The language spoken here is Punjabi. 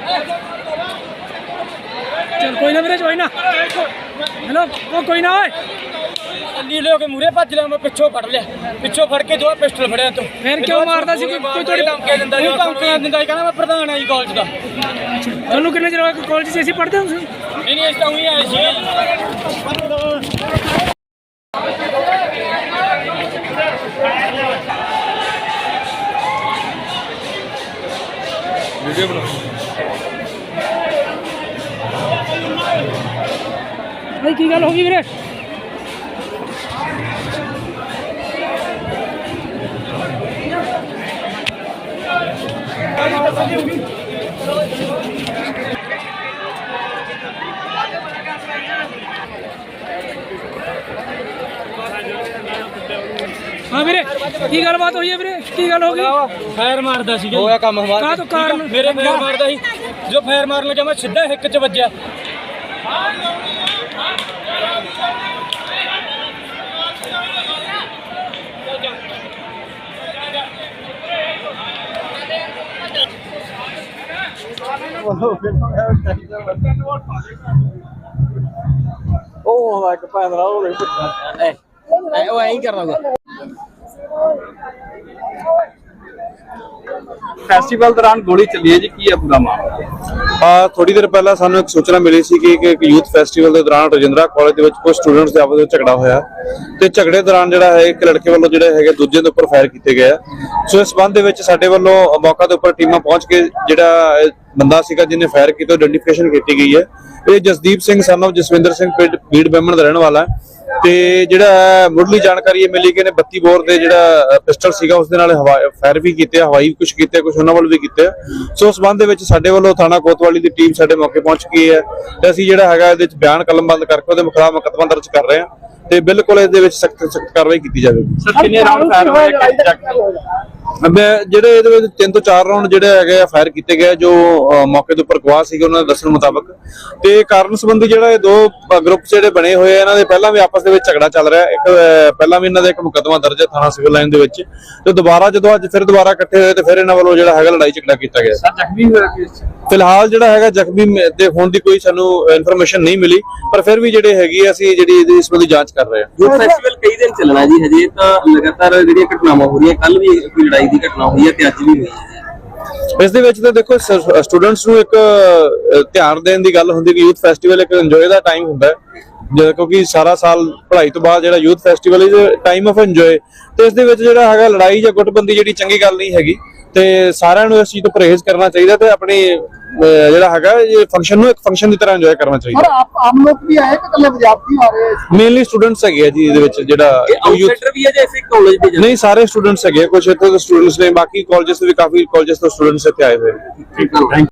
चल कोई ना मेरे कोई ना हेलो वो कोई ना नीले होके मूरे भज लिया मैं पिछों फड़ लिया पिछों फड़ के जो पिस्टल फड़िया तो फिर क्यों मारदा सी कोई थोड़ी धमकी दिंदा जी धमकी दिंदा कहना मैं प्रधान है जी कॉलेज दा ਤੁਹਾਨੂੰ ਕਿੰਨੇ ਚਿਰ ਹੋਇਆ ਕਾਲਜ 'ਚ ਅਸੀਂ ਪੜ੍ਹਦੇ ਹਾਂ नहीं नहीं इस तो हुई आए सी वीडियो बना भाई की गल हो गई वीरे हाँ वीरे की गलबात हुई है वीरे की गल हो गई फायर मारदा सी होया काम हमारा का तो कारण मेरे फायर मारदा सी जो फायर मारन लगा मैं सीधा हिक च वज्जिया ਉਹ ਇੱਕ ਪੈਂਦਾ ਉਹ ਉਹ ਐਂ ਕਰਦਾ ਫੈਸਟੀਵਲ ਦੌਰਾਨ ਗੋਲੀ ਚੱਲੀ ਹੈ ਜੀ ਕੀ ਹੈ ਪੂਰਾ ਮਾਮਲਾ ਥੋੜੀ ਦੇਰ ਪਹਿਲਾਂ ਸਾਨੂੰ ਇੱਕ ਸੂਚਨਾ ਮਿਲੀ ਸੀ ਕਿ ਇੱਕ ਯੂਥ ਫੈਸਟੀਵਲ ਦੇ ਦੌਰਾਨ ਰਜਿੰਦਰਾ ਕਾਲਜ ਦੇ ਵਿੱਚ ਕੁਝ ਸਟੂਡੈਂਟਸ ਦੇ ਆਪਸ ਵਿੱਚ ਝਗੜਾ ਹੋਇਆ ਤੇ ਝਗੜੇ ਦੌਰਾਨ ਜਿਹੜਾ ਹੈ ਇੱਕ ਲੜਕੇ ਵੱਲੋਂ ਜਿਹੜੇ ਹੈਗੇ ਦੂਜੇ ਦੇ ਉੱਪਰ ਫਾਇਰ ਕੀਤੇ ਗਏ ਸੋ ਇਸ ਸੰਬੰਧ ਦੇ ਵਿੱਚ ਸਾਡੇ ਵੱਲੋਂ ਮੌਕਾ ਦੇ ਉੱਪਰ ਟੀਮਾਂ ਪਹੁੰਚ ਕੇ ਜਿਹੜਾ ਬੰਦਾ ਸੀਗਾ ਜਿਹਨੇ ਫਾਇਰ ਕੀਤਾ ਆਇਡੈਂਟੀਫਿਕੇਸ਼ਨ ਕੀਤੀ ਗਈ ਹੈ ਇਹ ਜਸਦੀਪ ਸਿੰਘ ਸਨ ਆਫ ਜਸਵਿੰਦਰ ਸਿੰਘ ਬੀੜ ਬੈਮਣ ਦਾ ਰਹਿਣ ਵਾਲਾ ਤੇ ਜਿਹੜਾ ਮੁੱਢਲੀ ਜਾਣਕਾਰੀ ਇਹ ਮਿਲੀ ਕਿ ਇਹਨੇ 32 ਬੋਰ ਦੇ ਜਿਹੜਾ ਪਿਸਟਲ ਸੀਗਾ ਉਸ ਦੇ ਨਾਲ ਫਾਇਰ ਵੀ ਕੀਤੇ ਹਵਾਈ ਕੁਝ ਕੀਤੇ ਕੁਝ ਉਹਨਾਂ ਵੱਲ ਵੀ ਕੀਤੇ ਸੋ ਉਸ ਸੰਬੰਧ ਦੇ ਵਿੱਚ ਸਾਡੇ ਵੱਲੋਂ ਥਾਣਾ ਕੋਤਵਾਲੀ ਦੀ ਟੀਮ ਸਾਡੇ ਮੌਕੇ ਪਹੁੰਚ ਗਈ ਹੈ ਤੇ ਅਸੀਂ ਜਿਹੜਾ ਹੈਗਾ ਇਹਦੇ ਵਿੱਚ ਬਿਆਨ ਕਲਮਬੰਦ ਕਰਕੇ ਉਹਦੇ ਖਿਲਾਫ ਮੁਕੱਦਮਾ ਦਰਜ ਕਰ ਰਹੇ ਹਾਂ ਤੇ ਬਿਲਕੁਲ ਇਹਦੇ ਵਿੱਚ ਸਖਤ ਕਾਰਵਾਈ ਕੀਤੀ ਜਾਵੇਗੀ ਸਰ ਕਿੰਨੇ ਰਾਉਂਡ ਫਾਇਰ ਹੋਏ ਜਿਹੜੇ ਇਹਦੇ ਵਿੱਚ 3 ਤੋਂ 4 ਰਾਉਂਡ ਜਿਹੜੇ ਹੈਗੇ ਆ ਫਾਇਰ ਕੀਤੇ ਗਏ ਜੋ ਮੌਕੇ ਦੇ ਉੱਪਰ ਗਵਾਹ ਸੀਗੇ ਉਹਨਾਂ ਦੇ ਦੱਸਣ ਮੁਤਾਬਕ ਤੇ ਕਾਰਨ ਸੰਬੰਧੀ ਜਿਹੜਾ ਇਹ ਦੋ ਗਰੁੱਪ ਜਿਹੜੇ ਬਣੇ ਹੋਏ ਆ ਇਹਨਾਂ ਦੇ ਪਹਿਲਾਂ ਵੀ ਆਪਸ ਦੇ ਵਿੱਚ ਝਗੜਾ ਚੱਲ ਰਿਹਾ ਇੱਕ ਪਹਿਲਾਂ ਵੀ ਇਹਨਾਂ ਦਾ ਇੱਕ ਮੁਕੱਦਮਾ ਦਰਜ ਹੈ ਥਾਣਾ ਸਿਵਲ ਲਾਈਨ ਦੇ ਵਿੱਚ ਤੇ ਦੁਬਾਰਾ ਜਦੋਂ ਅੱਜ ਫਿਰ ਦੁਬਾਰਾ ਇਕੱਠੇ ਹੋਏ ਤੇ ਫਿਰ ਇਹਨਾਂ ਵੱਲੋਂ ਜਿਹੜਾ ਹੈਗਾ ਲੜਾਈ ਝਗੜਾ ਕੀਤਾ ਗਿਆ ਸਰ ਜ਼ਖਮੀ ਹੋਇਆ ਫਿਲਹਾਲ ਜਿਹੜਾ ਹੈਗਾ ਜ਼ਖਮੀ ਦੇ ਹੋਣ ਦੀ ਕੋਈ ਸਾਨੂੰ ਇਨਫੋਰਮੇਸ਼ਨ ਨਹੀਂ ਮਿਲੀ ਪਰ ਫਿਰ ਵੀ ਜਿਹੜੇ ਹੈਗੀ ਅਸੀਂ ਜਿਹੜੀ ਇਹਦੀ ਇਸ ਸੰਬੰਧੀ ਜਾਂਚ ਕਰ ਰਹੇ ਹਾਂ ਯੂਥ ਫੈਸਟੀਵਲ ਕਈ ਦਿਨ ਚੱਲਣਾ ਜੀ ਹਜੇ ਤਾਂ ਲਗਾਤਾਰ ਜਿਹੜੀਆਂ ਘਟਨਾਵਾਂ ਹੋ ਰਹੀਆਂ ਕੱਲ ਵੀ ਕੋਈ ਲੜਾਈ ਦੀ ਘਟਨਾ ਹੋਈ ਹੈ ਤੇ ਅੱਜ ਵੀ ਹੋਈ ਹੈ ਇਸ ਦੇ ਵਿੱਚ ਤਾਂ ਦੇਖੋ ਸਟੂਡੈਂਟਸ ਨੂੰ ਇੱਕ ਧਿਆਨ ਦੇਣ ਦੀ ਗੱਲ ਹੁੰਦੀ ਕਿ ਯੂਥ ਫੈਸਟੀਵਲ ਇੱਕ ਇੰਜੋਏ ਦਾ ਟਾਈਮ ਹੁੰਦਾ ਹੈ ਕਿਉਂਕਿ ਸਾਰਾ ਸਾਲ ਪੜ੍ਹਾਈ ਤੋਂ ਬਾਅਦ ਜਿਹੜਾ youth festival is time of enjoy ਤੇ ਇਸ ਦੇ ਵਿੱਚ ਜਿਹੜਾ ਹੈਗਾ ਲੜਾਈ ਜਾਂ ਗੁੱਟਬੰਦੀ ਜਿਹੜੀ ਚੰਗੀ ਗੱਲ ਨਹੀਂ ਹੈਗੀ ਤੇ ਸਾਰਿਆਂ ਨੂੰ ਇਸ ਚੀਜ਼ ਤੋਂ ਪਰਹੇਜ਼ ਕਰਨਾ ਚਾਹੀਦਾ ਤੇ ਆਪਣੀ ਜਿਹੜਾ ਹੈਗਾ ਇਹ ਫੰਕਸ਼ਨ ਨੂੰ ਇੱਕ ਫੰਕਸ਼ਨ ਦੀ ਤਰ੍ਹਾਂ ਇੰਜੋਏ ਕਰਨਾ ਚਾਹੀਦਾ ਆਮ ਲੋਕ ਵੀ ਆਏ ਕਿ ਇਕੱਲੇ ਵਿਦਿਆਰਥੀ ਆ ਰਹੇ ਮੇਨਲੀ ਸਟੂਡੈਂਟਸ ਹੈਗੇ ਆ ਜੀ ਇਹਦੇ ਵਿੱਚ ਜਿਹੜਾ ਆਊਟਸਾਈਡਰ ਵੀ ਹੈ ਜਾਂ ਇਸੇ ਕਾਲਜ ਦੇ ਨਹੀਂ ਸਾਰੇ ਸਟੂਡੈਂਟਸ ਹੈਗੇ ਕੁਝ ਇੱਥੇ ਦੇ ਸਟੂਡੈਂਟਸ ਨੇ ਬਾਕੀ ਕਾਲਜਸ ਤੋਂ ਵੀ ਕਾਫੀ ਕਾਲਜਸ ਤੋਂ ਸਟੂਡੈਂਟਸ ਇੱਥੇ ਆਏ ਹੋਏ ਨੇ